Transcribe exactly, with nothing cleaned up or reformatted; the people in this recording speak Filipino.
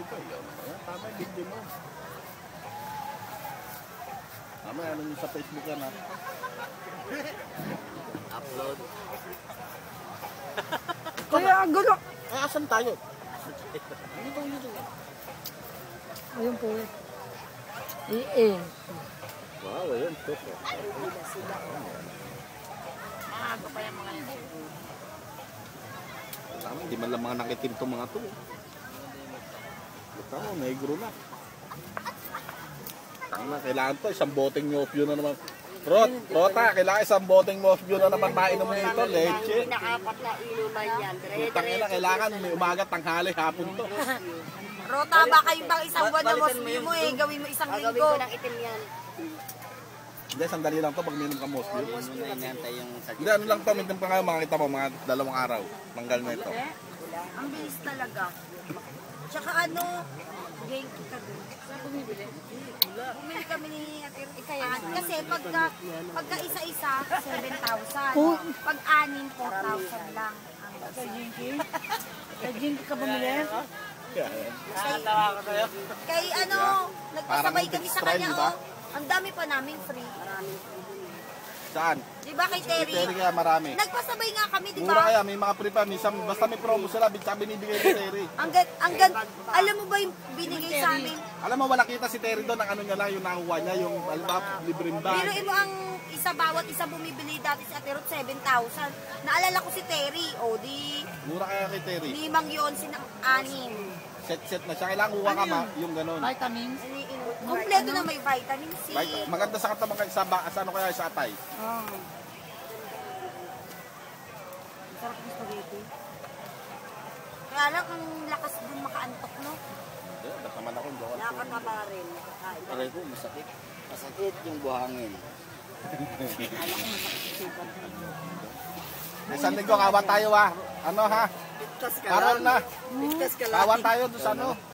dito. Ikaw naman. Yan, tama yung video mo. Tama, ano nyo sa Facebook yan ha? Upload. Kaya ang gulo. Ay, asan tayo? Ano itong dito? Ayun po. Eh, eh. Wow, ayun. Toto. Maaga pa yung mga yun. Tama, hindi man lang mga nakitim itong mga to. Tama, negro na. Tama, kailangan to. Isang boteng nyopyo na naman. Rot, Rota, kailangan isang boteng nyopyo na naman mainom nito. Leche. Pinakapat na inuman yan. Utang ina, kailangan may umaga, tanghali, hapon to. Rota, baka yung bang isang buwan na mosby mo eh. Gawin mo isang Gagawin linggo. ko ng itim yan. Hindi, sandali lang to pag minom ka mosby. Almost muna inantay yung Hindi, ano lang to, minom ka ngayon, makakita mo, mga dalawang araw. Manggal na ito. Ang bilis talaga. Tsaka ano, genki ka dun. Saan bumibili? Bumili kami ni Ikayan. Kasi pagka, pagka isa-isa, seven thousand. Pag anim, four thousand lang. Kay Jinky? Kay Jinky ka bumili? Kaya, yan. Kay, kay ano, nagpasabay Parang kami sa extra, kanya. di ba? Oh. Ang dami pa namin free. Saan? Di ba kay Terry? Terry kaya marami. Nagpasabay nga kami, di Mura ba? kaya, may mga pre pa. Minsan, basta may promo sila, basta binibigay ni Terry. Ang gan, ang gan, alam mo ba yung binigay sa amin? Alam mo, wala kita si Terry doon, ang ano niya lang, yung nakuha niya, yung alba, libreng bag. Biruin mo ang isa, bawat isa bumibili dati si Aterot, seven thousand. Naalala ko si Terry, o di, Mura kaya kay Terry. limang yon sinang anim. Set-set na siya. Kailangan kuha ka ma, yung ganun. Vitamins? Kompleto na may vitamin C. Like, maganda sa katawan kayo sa, ba- sa ano kaya sa atay. Oh. Sarap ng spaghetti. Kaya lang, ang lakas dun makaantok, no? Hindi, ba't naman ako, hindi ako. Nakakataba rin. Aray ko, masakit. Masakit yung buhangin. Isang linggo, kawan tayo ha. Ano ha? Ligtas ka Karon lang. na. Ligtas ka lang. Kawan tayo doon sa ano.